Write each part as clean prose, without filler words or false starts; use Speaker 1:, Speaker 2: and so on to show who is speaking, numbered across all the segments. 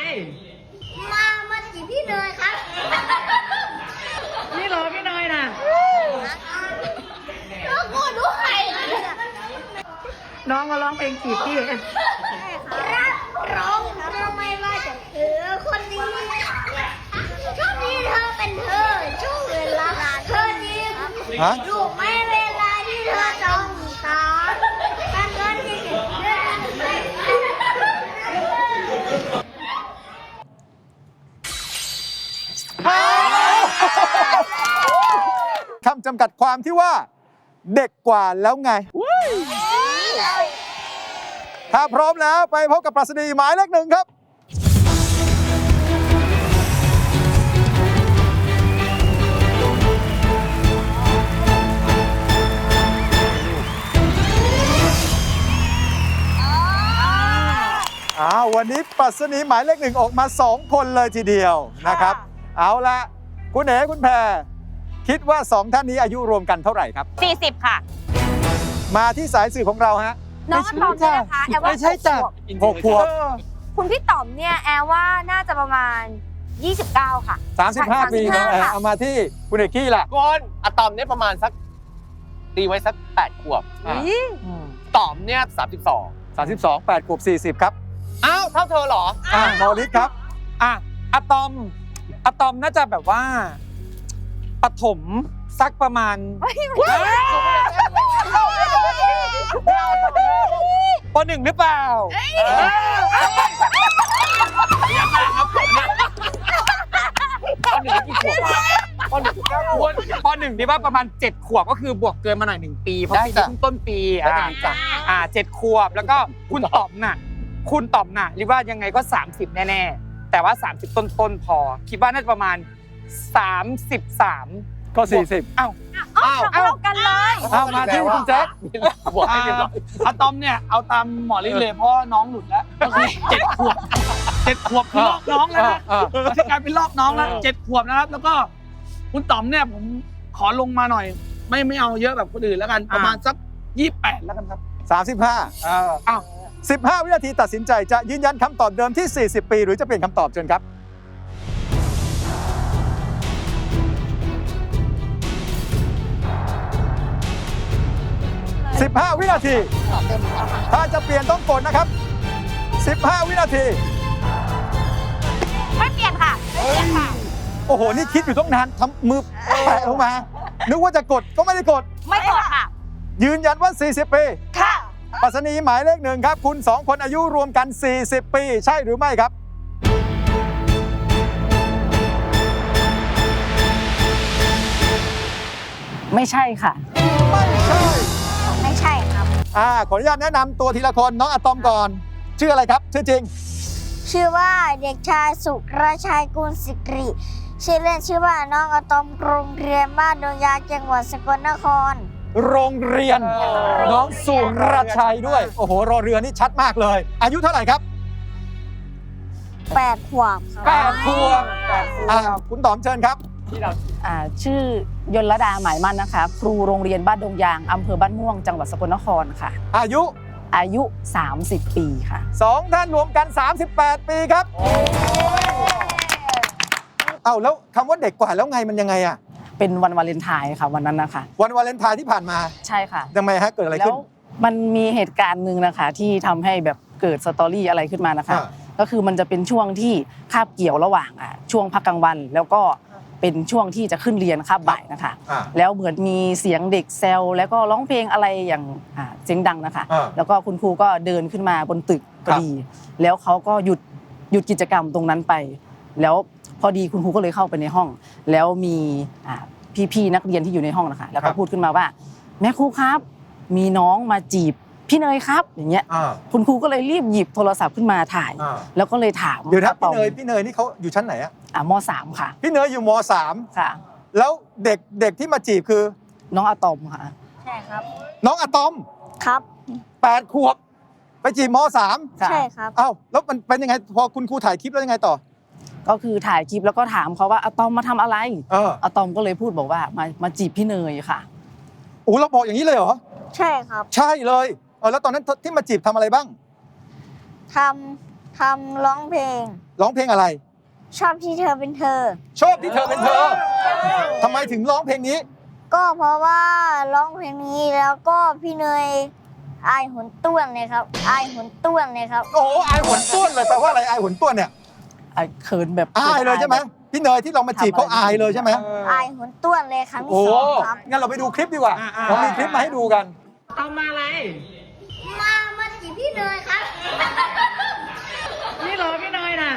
Speaker 1: มาจีบพี่เนยครับ
Speaker 2: นี่เหรอพี่เนยน่ะ
Speaker 1: แล้วกูด้วย
Speaker 2: น้องมาร้องเพลงจีบพี่
Speaker 1: รับร้องทำไมว่าจะเธอคนนี้ช่วงนี้เธอเป็นเธอช่วงเวลาเธอนี้รู้ไหมเวลาที่เธอจ้องตาการเงินที่เก็บเงิน
Speaker 3: คำจำกัดความที่ว่าเด็กกว่าแล้วไง ถ้าพร้อมแล้วไปพบกับปรัชนีหมายเลข 1ครับ วันนี้ปรัชนีหมายเลข 1ออกมา2คนเลยทีเดียวนะครับ เอาละคุณเอ๋คุณแพรคิดว่า2ท่านนี้อายุรวมกันเท่าไหร่ครับ
Speaker 4: 40 ค่ะ
Speaker 3: มาที่สายสื่อของเราฮะ
Speaker 4: น้องอะตอมเนี่ยนะคะแอลว่า
Speaker 3: ไม่ใช่จ้ะ 6 ขวบ
Speaker 4: คุณพี่ต๋อมเนี่ยแอลว่าน่าจะประมาณ 29 ค่ะ
Speaker 3: 35 ปีน้องแอร์เอามาที่คุณเอกกี้ล่ะ
Speaker 5: ก้อนอะตอมเนี่ยประมาณสักตีไว้สัก8 ขวบ ต๋อมเนี่ย32
Speaker 3: 8 ขวบ 40 ครับ
Speaker 5: อ้าว เท่าเธอเหรอ
Speaker 3: มอลิสครับ
Speaker 2: อะตอมน่าจะแบบว่าปฐมสักประมาณป .1 หรือเปล่าป .1 นี่ว่าประมาณ7 ขวบก็คือบวกเกินมาหน่อย1 ปีเพราะปีนี้เพิ่งต้นปี7 ขวบแล้วก็คุณต๋อมน่ะเรียกว่ายังไงก็30แน่ๆแต่ว่า30ต้นพอคิดว่าน่าจะประมาณ33
Speaker 3: ก็ 40
Speaker 4: เท่ากันเลย
Speaker 3: มาที่คุณแจ๊ค
Speaker 5: บวกให้เรียบร้อย
Speaker 6: อะตอมเนี่ยเอาตามหมอฤทธิ์เลยเพราะน้องหลุดแล้วก็คือ7 ขวบ7 ขวบคือลอกน้องแล้วนะที่กลายเป็นลอกน้องแล้ว7 ขวบนะครับแล้วก็คุณต๋อมเนี่ยผมขอลงมาหน่อย ไม่เอาเยอะแบบคนอื่นแล้วกันประมาณสัก28แล้วกันครับ
Speaker 3: 35 15 วินาทีตัดสินใจจะยืนยันคำตอบเดิมที่ 40 ปีหรือจะเปลี่ยนคำตอบเชิญครับ 15 วินาที ถ้าจะเปลี่ยนต้องกดนะครับ 15 วินาที
Speaker 4: ไม่เปลี่ยนค่ะ
Speaker 3: โอ้โห นี่คิดอยู่ต้องนานทำมือแปะลงมา นึกว่าจะกดก็ไม่ได้กด
Speaker 4: ไม่กดค่ะ
Speaker 3: ยืนยันว่า 40 ปี
Speaker 4: ค่ะ
Speaker 3: ปรัชนีหมายเลข 1 ครับ คุณ 2 คนอายุรวมกัน 40 ปี ใช่หรือไม่ครับ
Speaker 2: ไม่ใช่ค่ะ
Speaker 3: ไม่ใช่
Speaker 1: ไม่ใช่ครับ
Speaker 3: ขออนุญาตแนะนำตัวทีละคนน้องอะตอมก่อน ชื่ออะไรครับ ชื่อจริง
Speaker 1: ชื่อว่าเด็กชายสุรชัยกุลสิริชื่อเล่นชื่อว่าน้องอะตอมโรงเรียนบ้านดงยางจังหวัดสกลนคร
Speaker 3: โรงเรียน น้องสุรชัยด้วย โอ้โห รอเรือนี่ชัดมากเลย อายุเท่าไหร่ครับ
Speaker 1: 8 ขวบครับ
Speaker 3: 8 ขวบคุณต๋อมเชิญครับ
Speaker 7: ชื่อยนรดาหมายมั่นนะคะ ครูโรงเรียนบ้านดงยางอำเภอบ้านม่วงจังหวัดสกลนครค่ะ
Speaker 3: อายุ
Speaker 7: 30 ปีค่ะ
Speaker 3: 2 ท่านรวมกัน 38 ปีครับ แล้วคำว่าเด็กกว่าแล้วไงมันยังไงอะ
Speaker 7: เป็นวันวาเลนไทน์ค่ะวันนั้นนะคะ
Speaker 3: วันวาเลนไทน์ที่ผ่านมา
Speaker 7: ใช่ค่ะ
Speaker 3: ทำไมฮะเกิดอะไร
Speaker 7: แล้
Speaker 3: ขึ้
Speaker 7: วน มันมีเหตุการณ์หนึ่งนะคะที่ทำให้แบบเกิดสตอรี่อะไรขึ้นมานะคะ ก็คือมันจะเป็นช่วงที่คาบเกี่ยวระหว่างช่วงพักกลางวัน แล้วก็เป็นช่วงที่จะขึ้นเรียนคาบบ่ายนะคะแล้วเหมือนมีเสียงเด็กแซวแล้วก็ร้องเพลงอะไรอย่างเสียงดังนะคะแล้วก็คุณครูก็เดินขึ้นมาบนตึกพอดี แล้วเขาก็หยุดกิจกรรมตรงนั้นไป แล้วพอดีคุณครูก็เลยเข้าไปในห้อง แล้วมีพี่ๆนักเรียนที่อยู่ในห้องนะคะแล้วก็พูดขึ้นมาว่าแม่ครูครับมีน้องมาจีบพี่เนยครับอย่างเงี้ยคุณครูก็เลยรีบหยิบโทรศัพท์ขึ้นมาถ่ายแล้วก็เลยถาม
Speaker 3: เดี๋ยวนะพี่เนยนี่เขาอยู่ชั้นไหนอะ
Speaker 7: ม.3 ค่ะ
Speaker 3: พี่เนยอยู่ม.3
Speaker 7: ค่ะ
Speaker 3: แล้วเด็กที่มาจีบคือ
Speaker 7: น้องอะตอมค่ะ
Speaker 1: ใช่ครับ
Speaker 3: น้องอะตอม
Speaker 1: ครับ
Speaker 3: 8 ขวบไปจีบม.3
Speaker 1: ใช่ครับ
Speaker 3: แล้วมันเป็นยังไงพอคุณครูถ่ายคลิปแล้วยังไงต่อ
Speaker 7: ก็คือถ่ายคลิปแล้วก็ถามเขาว่าอะตอมมาทำอะไรอะตอมก็เลยพูดบอกว่ามาจีบพี่เนยค่ะ
Speaker 3: เราบอกอย่างนี้เลยเหรอ
Speaker 1: ใช่ครับ
Speaker 3: ใช่เลยแล้วตอนนั้นที่มาจีบทำอะไรบ้าง
Speaker 1: ททำร้องเพลง
Speaker 3: ร้องเพลงอะไร
Speaker 1: ชอบที่เธอเป็นเธอ
Speaker 3: ชอบที่เธอเป็นเธอทำไมถึงร้องเพลงนี้
Speaker 1: ก็เพราะว่าร้องเพลงนี้แล้วก็พี่เนยอายหุนต้วนเลยครับ อายหุนต้วนเลยครับ
Speaker 3: โอ้โหอายหวนต้วนเลยแปลว่าอะไรอายหวนต้วนเนี่ย
Speaker 7: ไอ้เขินแบบ
Speaker 3: อายเลยใช่ไหมพี่เนยที่เรามาจีบเขาอายเลยใช่ไหม
Speaker 1: อายหุนต้วนเลยครั้งที่
Speaker 3: โอ้
Speaker 1: สองครับ
Speaker 3: งั้นเราไปดูคลิปดีกว่าเรามีคลิปมาให้ดูกัน
Speaker 1: มาจีบพี่เนยครับ
Speaker 6: นี่เหรอพี่เนยน่ะ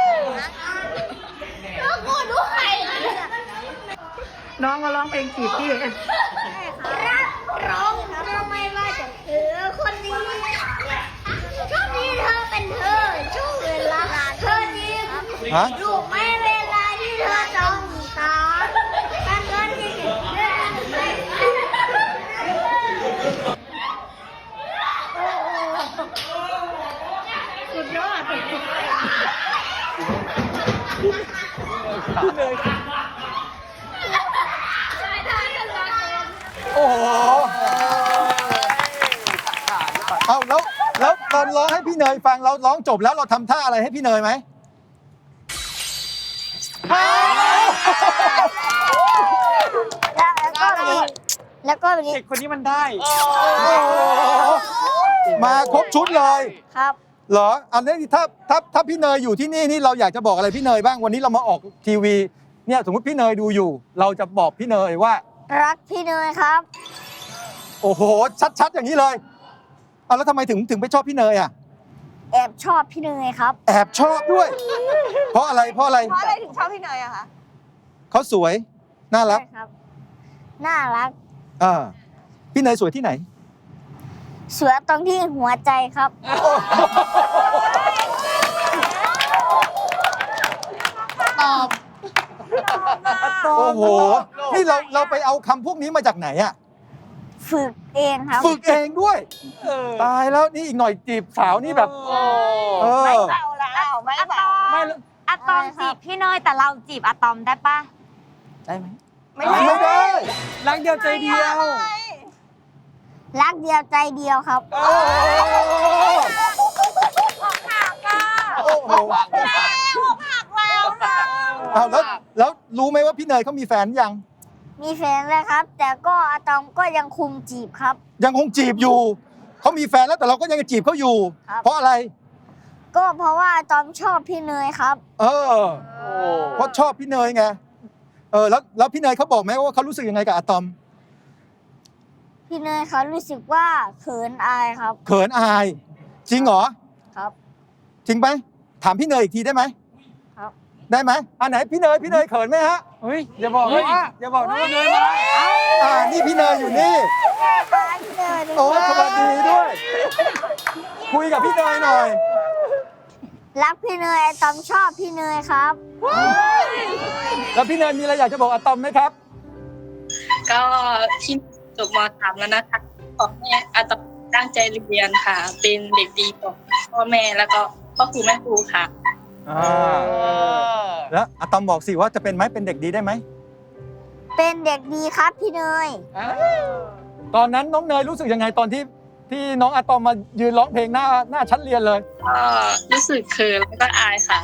Speaker 1: แล้วกูดูใคร
Speaker 6: น้องมาร้องเพลงจีบพี่
Speaker 1: รักร้องเธอไม่ว่าจะเธอคนนี้ชอบที่เธอเป็นเธอช่วงเวลาเธอนี้
Speaker 3: ฮะ
Speaker 1: รู้ไหมเวลาที่เธอจ้องตาการเงินที่เดินสุดยอด
Speaker 3: โอ้โหเอาแล้วตอนร้องให้พี่เนยฟังเราร้องจบแล้วเราทำท่าอะไรให้พี่เนยไหม
Speaker 1: แล้วก็แบบนี้
Speaker 2: เด็กคนนี้มันได้
Speaker 3: โอ้โหมาครบชุดเลย
Speaker 1: ครับ
Speaker 3: เหรออันนี้ถ้าพี่เนยอยู่ที่นี่เราอยากจะบอกอะไรพี่เนยบ้างวันนี้เรามาออกทีวีเนี่ยสมมติพี่เนยดูอยู่ เราจะบอกพี่เนยว่า
Speaker 1: รักพี่เนยครับ
Speaker 3: โอ้โหชัดๆอย่างนี้เลยเอาแล้วทำไมถึงไปชอบพี่เนยอ่ะ
Speaker 1: แอบชอบพี่เนยครับ
Speaker 3: แอบชอบด้วย เพราะอะไร
Speaker 4: เพราะอะไรถึงชอบพี่เนยอะคะ
Speaker 3: เขาสวยน่ารัก
Speaker 1: ใช่ครับ น่ารัก
Speaker 3: พี่เนยสวยที่ไหน
Speaker 1: สวยตรงที่หัวใจครับ
Speaker 3: โอ้โหนี่เราไปเอาคำพวกนี้มาจากไหนอ่ะ
Speaker 1: ฝึกเองครับ
Speaker 3: ฝึกเองด้วยตายแล้วนี่อีกหน่อยจีบสาวนี่แบบเออ
Speaker 4: ไม่เบาแล้วไม่เบา
Speaker 8: อะตอมจีบพี่เนยแต่เราจีบอะตอมได้ปะ
Speaker 7: ได้ไหม
Speaker 3: ไม่ได้
Speaker 2: รักเดียวใจเดียว
Speaker 1: รักเดียวใจเดียวครับ
Speaker 3: โอ้โหเอาแล้วรู้ไหมว่าพี่เนยเขามีแฟนยัง
Speaker 1: มีแฟนแล้วครับ แต่ก็อะตอมก็ยังคุมจีบครับ
Speaker 3: ยังคงจีบอยู่เขามีแฟนแล้วแต่เราก็ยังจีบเขาอยู่
Speaker 1: ครับ
Speaker 3: เพราะอะไร
Speaker 1: ก็เพราะว่าอะตอมชอบพี่เนยครับ
Speaker 3: เพราะชอบพี่เนยไงแล้วพี่เนยเขาบอกไหมว่าเขารู้สึกยังไงกับอะตอม
Speaker 1: พี่เนยเขารู้สึกว่าเขินอายครับ
Speaker 3: เขินอาย จริงเหรอ
Speaker 1: ครับ
Speaker 3: จริงไหมถามพี่เนยอีกทีได้ไหม
Speaker 1: ครับ
Speaker 3: ได้ไหมอันไหนพี่เนยเขินไหมฮะ
Speaker 2: เฮ้ย อย่าบอกนะว่าอย่าบอกนะว่าเนยมา
Speaker 3: นี่พี่เนยอยู่นี่
Speaker 1: พี่เนย
Speaker 3: โอ้สวัสดีด้วย คุยกับพี่เนยหน่อย
Speaker 1: รักพี่เนยอะตอมชอบพี่เนยครับ
Speaker 3: แล้วพี่เนยมีอะไรอยากจะบอกอะตอมไหมครับ
Speaker 9: ก็ที่จบม.3 แล้วนะคะขอให้อาตอมตั้งใจเรียนค่ะ เป็นเด็กดีของพ่อแม่แล้วก็พ่อครูแม่ครูค่ะ
Speaker 3: แล้วอะตอมบอกสิว่าจะเป็นไหมเป็นเด็กดีได้ไหม
Speaker 1: เป็นเด็กดีครับพี่เนย
Speaker 3: ตอนนั้นน้องเนยรู้สึกยังไงตอนที่น้องอะตอมมายืนร้องเพลงหน้าชั้นเรียนเลย
Speaker 9: ก็รู้สึกเขินแล้วก็อายค่ะ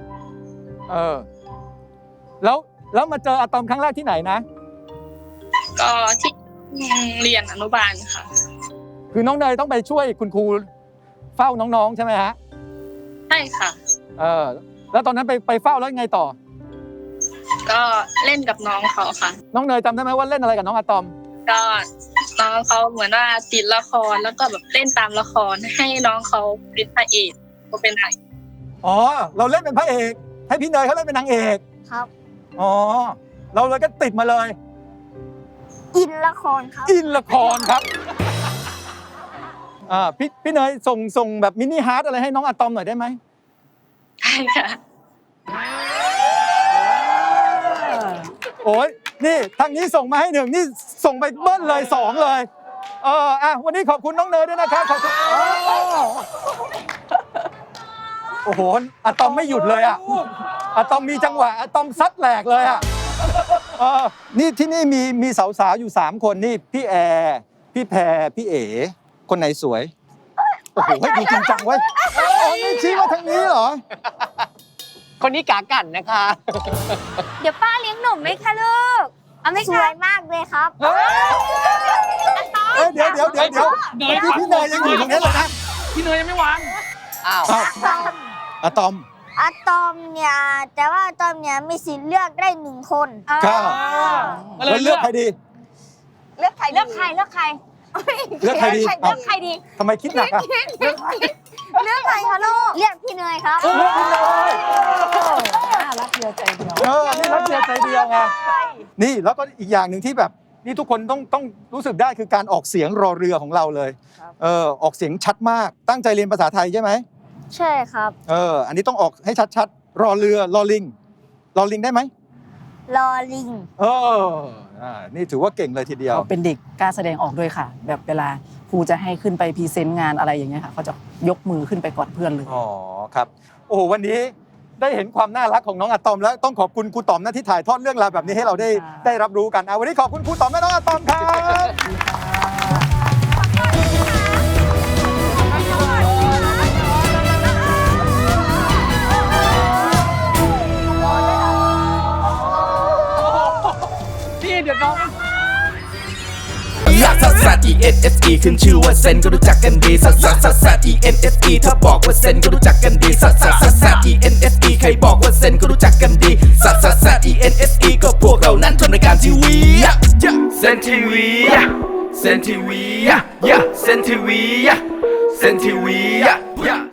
Speaker 3: แล้วมาเจออะตอมครั้งแรกที่ไหนนะ
Speaker 9: ก็ที่เรียนอนุบาลค่ะ
Speaker 3: คือน้องเนยต้องไปช่วยคุณครูเฝ้าน้องๆใช่ไหมฮะ
Speaker 9: ใช่ค่ะ
Speaker 3: แล้วตอนนั้นไปเฝ้าแล้วยังไงต่อ
Speaker 9: ก็เล่นกับน้องเขาค่ะ
Speaker 3: น้องเนยจำได้ไหมว่าเล่นอะไรกับน้องอะตอม
Speaker 9: ก็น้องเขาเหมือนว่าติดละครแล้วก็แบบเล่นตามละครให้น้องเขาเป็นพระเอกก็เป็นนาง
Speaker 3: อ๋อ เราเล่นเป็นพระเอก ให้พี่เนยเขาเล่นเป็นนางเอก
Speaker 1: ครับ
Speaker 3: อ๋อ เราเลยก็ติดมาเลย
Speaker 1: อินละครครับ
Speaker 3: อินละครครับ พี่เนยส่งแบบมินิฮาร์ดอะไรให้น้องอะตอมหน่อยได้ไหม
Speaker 9: ใช่ค่ะ
Speaker 3: โอ้ยนี่ทางนี้ส่งมาให้1นี่ส่งไปเบิ้ลเลย2เลยวันนี้ขอบคุณน้องเนยด้วยนะครับขอบคุณโอ้โหอะตอมไม่หยุดเลยอะตอมมีจังหวะอะตอมซัดแหลกเลยอะนี่ที่นี่มีสาวๆอยู่3คนนี่พี่แอร์พี่แพรพี่เอ๋คนไหนสวยโอ้โหให้ดูจริงจังเว้ยอ๋อนี่ชี้มาทางนี้เหรอ
Speaker 5: คนนี้กากันนะคะ
Speaker 4: เดี๋ยวป้าเลี้ยงหนุ่มไหมคะลูก เอาไหม
Speaker 1: ส
Speaker 4: คะ
Speaker 1: วยมากเลยครับ
Speaker 3: เอ้ยเดี๋ยวเมื่อกี้พี่เนยยังอยู่ตรงนี้เลยนะ
Speaker 6: พี่เนยยังไม่วาง
Speaker 5: อ้าว
Speaker 3: อ้าวอะตอม
Speaker 1: อะตอมเนี่ยแต่ว่าอะตอมเนี่ยมีสิทธิ์เลือกได้1 คน
Speaker 3: ครับแล้วเลือกใครดี
Speaker 4: เลือกใครเลือกใครเลือกใคร
Speaker 3: เลือกใครดี
Speaker 4: เลือกใครดี
Speaker 3: ทำไมคิดหนักอะ
Speaker 4: เลือกใครคะลูก
Speaker 1: เลือกพี่เนยครับ
Speaker 3: เลือกพี่เนย
Speaker 7: น่ารักเดียวใจเดียว
Speaker 3: นี่รักเดียวใจเดียวไงนี่แล้วก็อีกอย่างหนึ่งที่แบบนี่ทุกคนต้องรู้สึกได้คือการออกเสียงรอเรือของเราเลยออกเสียงชัดมากตั้งใจเรียนภาษาไทยใช่ไหม
Speaker 1: ใช่ครับ
Speaker 3: อันนี้ต้องออกให้ชัดๆรอเรือรอลิงรอลิงได้ไหม
Speaker 1: ลอลิง
Speaker 3: นี่ถือว่าเก่งเลยทีเดียว
Speaker 7: เขาเป็นเด็กกล้าแสดงออกด้วยค่ะ แบบเวลาครูจะให้ขึ้นไปพรีเซนต์งานอะไรอย่างเงี้ยค่ะเขาจะยกมือขึ้นไปก่อนเพื่อนเลย
Speaker 3: อ๋อครับ โอ้โหวันนี้ได้เห็นความน่ารักของน้องอะตอมแล้วต้องขอบคุณครูต๋อมนะที่ถ่ายทอดเรื่องราวแบบนี้ให้เราได้รับรู้กันวันนี้ขอบคุณครูต๋อมและน้องอะตอมครับ
Speaker 6: พี่เดี๋ยวน้อง
Speaker 10: ลักซัสซัส E N S E ขึ้นชื่อว่าเซนก็รู้จักกันดีซัสซัสซัสซัส E N S E ถ้าบอกว่าเซนก็รู้จักกันดีซัสซัสซัสซัส E N S E ใครบอกว่าเซนก็รู้จักกันดีซัสซัสซัส E N S E ก็พวกเรานั้นทำรายการทีวีเซนทีวีเซนทีวีเซนทีวีเซนทีวี